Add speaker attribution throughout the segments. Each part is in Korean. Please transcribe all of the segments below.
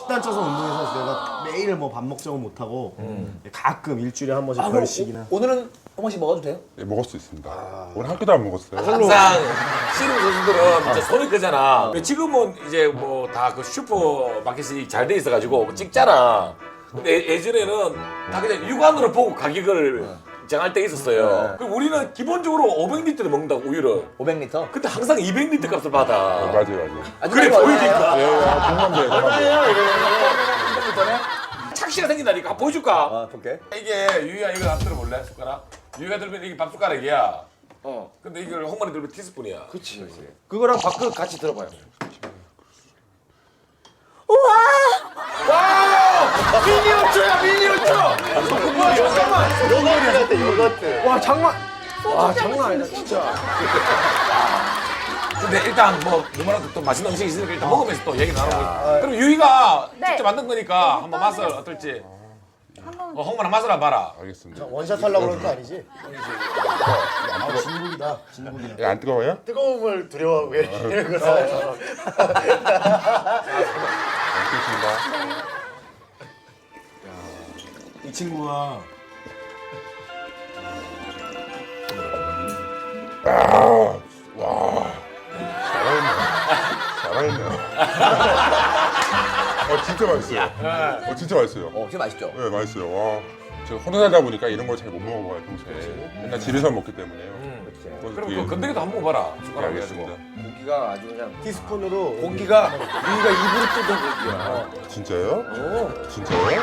Speaker 1: 식단 쪄서 운동해서 내가 매일 뭐 밥 먹자고 못하고 가끔 일주일에 한 번씩 별식이나.
Speaker 2: 오늘은 한 번씩 먹어도 돼요?
Speaker 3: 네, 먹을 수 있습니다. 오늘 한 끼도 안 먹었어요.
Speaker 4: 항상 씨름 선수들은 진짜 손이 크잖아. 지금은 이제 뭐 다 그 슈퍼 마켓이 잘 돼 있어가지고 뭐 찍잖아. 근데 예전에는 다 그냥 육안으로 보고 가격을 정할 때 있었어요. 그리고 우리는 기본적으로 500리터를 먹는다고 우유를.
Speaker 2: 500리터?
Speaker 4: 근데 항상 200리터 값을 받아.
Speaker 3: 맞아요.
Speaker 4: 그래 보이니까.
Speaker 3: 예, 공감 돼요, 공감 돼요.
Speaker 4: 착시가 생긴다니까. 보여줄까?
Speaker 2: 아, 볼게.
Speaker 4: 이게 유희야 이거 한번 들어볼래? 숟가락? 유희가 들면 이게 밥 숟가락이야. 근데 이걸 홍만이 들면 티스푼이야.
Speaker 5: 그치. 그거랑 밥그릇 같이 들어봐요.
Speaker 4: 미니어처야 미니어처!
Speaker 5: 와 장난. 와 장난 아니다 진짜.
Speaker 4: 근데 일단 뭐 누구라도 또 맛있는 음식이 있으니까 일단 먹으면서 또 얘기 나눠보자. 그럼 유희가
Speaker 6: 네.
Speaker 4: 직접 만든 거니까 한번 맛을 어떨지. 홍만아 맛을 한번 봐라.
Speaker 3: 알겠습니다.
Speaker 1: 원샷 하려고 그런 거 아니지? 진국이다. 진국이다.
Speaker 3: 예, 안 뜨거워요?
Speaker 1: 뜨거움을 두려워하고 이런 거다.
Speaker 3: 알겠습니다.
Speaker 1: 이 친구가
Speaker 3: 잘하네요. 진짜 맛있어요. 진짜 맛있어요.
Speaker 2: 진짜 맛있죠?
Speaker 3: 네, 맛있어요. 와, 제가 혼자 살다 보니까 이런 걸 잘 못 먹어봐요, 평소에. 맨날 집에서 먹기 때문에요. 그래서
Speaker 4: 그럼
Speaker 3: 되게-
Speaker 4: 그 건더기도 한번 먹어봐라.
Speaker 3: 네,
Speaker 4: 숟가락
Speaker 3: 알겠습니다.
Speaker 4: 해가지고.
Speaker 5: 고기가 아주 그냥
Speaker 1: 티스푼으로
Speaker 5: 고기가 우리가 입으로 뜯은 고기야.
Speaker 3: 진짜요? 진짜요?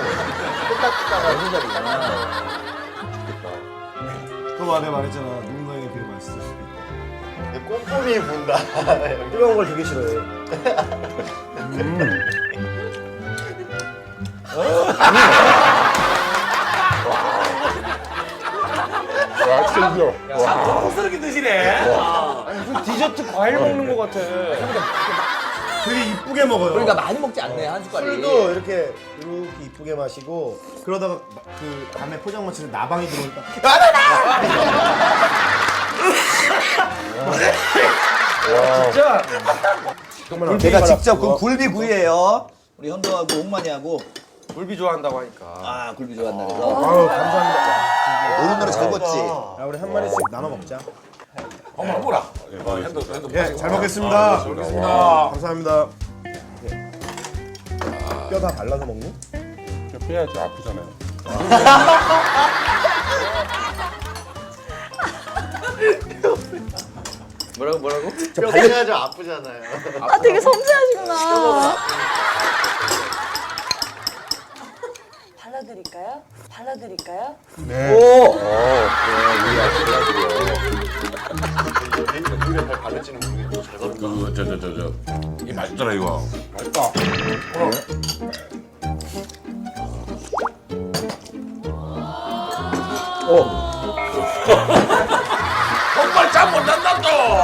Speaker 1: 그 말에 말했잖아. 누군가에게 되게 맛있을 수도 있다.
Speaker 7: 꼼꼼히 본다.
Speaker 1: 뜨거운 걸 되게 싫어해.
Speaker 3: 와, 진짜 이죠? 와,
Speaker 4: 고급스럽게 드시네.
Speaker 5: 무슨 디저트 과일 먹는 것 같아.
Speaker 1: 되게 이쁘게 먹어요.
Speaker 2: 그러니까 많이 먹지 않네, 한 숟갈이.
Speaker 1: 술도 이렇게 이쁘게 마시고 그러다가 그 밤에 포장마차에 나방이 들어오니까
Speaker 5: 진짜.
Speaker 2: 제가 직접 그 굴비구이예요. 우리 현도하고 옥만이하고
Speaker 5: 굴비 좋아한다고 하니까.
Speaker 2: 아 굴비 좋아한다 그래서
Speaker 1: 아유 감사합니다.
Speaker 2: 오랜만에 잘 먹지.
Speaker 1: 야 우리 한 마리씩 나눠 먹자.
Speaker 4: 한번 해보라.
Speaker 3: 알겠습니다.
Speaker 1: 예, 잘 먹겠습니다. 감사합니다. 뼈 다 발라서 먹니?
Speaker 3: 빼야지, 아프잖아요.
Speaker 5: 뭐라고?
Speaker 7: 뼈 빼야죠 아프잖아요.
Speaker 6: 아 되게 섬세하시구나. 발라드릴까요? 발라드릴까요?
Speaker 3: 네.
Speaker 7: 물에 잘 발라지는 모르겠고 잘 발라.
Speaker 4: 이 맛있더라 이거.
Speaker 3: 맛있다.
Speaker 4: 정말 짬 못한다 또.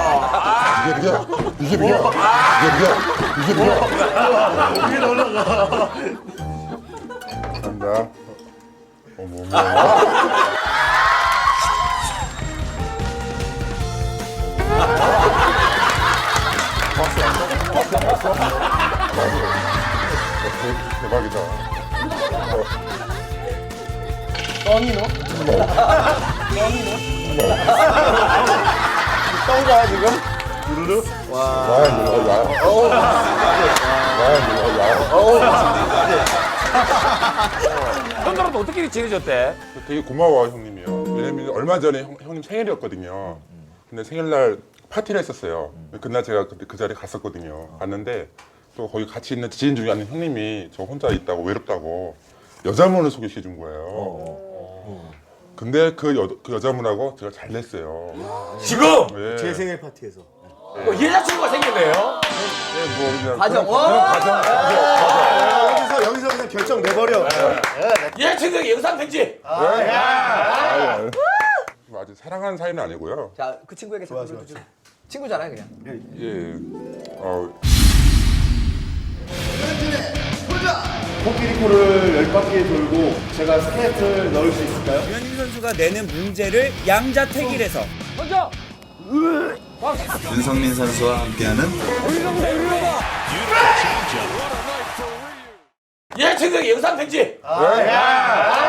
Speaker 3: 이게 뭐야? 이게 뭐야? 이게 뭐야? 간다. 어머. 대박이다.
Speaker 1: 떤가 지금? 유르르?
Speaker 3: 와, 이거
Speaker 4: 현도랑도 어떻게 지내셨대?
Speaker 3: 되게 고마워 형님이요. 왜냐면 얼마 전에 형님 생일이었거든요. 근데 생일날 파티를 했었어요. 그날 제가 그 자리에 갔었거든요. 갔는데 또 거기 같이 있는 지인 중에 한 형님이 저 혼자 있다고 외롭다고 여자분을 소개시켜 준 거예요. 근데 그 여자분하고 제가 잘 됐어요.
Speaker 4: 지금
Speaker 3: 예.
Speaker 1: 제 생일 파티에서.
Speaker 4: 여자친구가 생겼네요.
Speaker 3: 뭐 그냥
Speaker 2: 과정.
Speaker 1: 여기서 그냥 결정 내버려.
Speaker 4: 여자친구가 영상 편지.
Speaker 3: 뭐 아직 사랑하는 사이는 아니고요.
Speaker 2: 자, 그 친구에게 잠깐 불러주죠. 친구잖아요, 그냥.
Speaker 3: 예.
Speaker 1: 코끼리 코를 10바퀴 돌고 제가 스케이트를 넣을 수 있을까요?
Speaker 8: 유현진 선수가 내는 문제를 양자택일해서
Speaker 9: 윤성민 선수와 함께하는
Speaker 4: 여자친구에게 영상 편지.
Speaker 1: 야.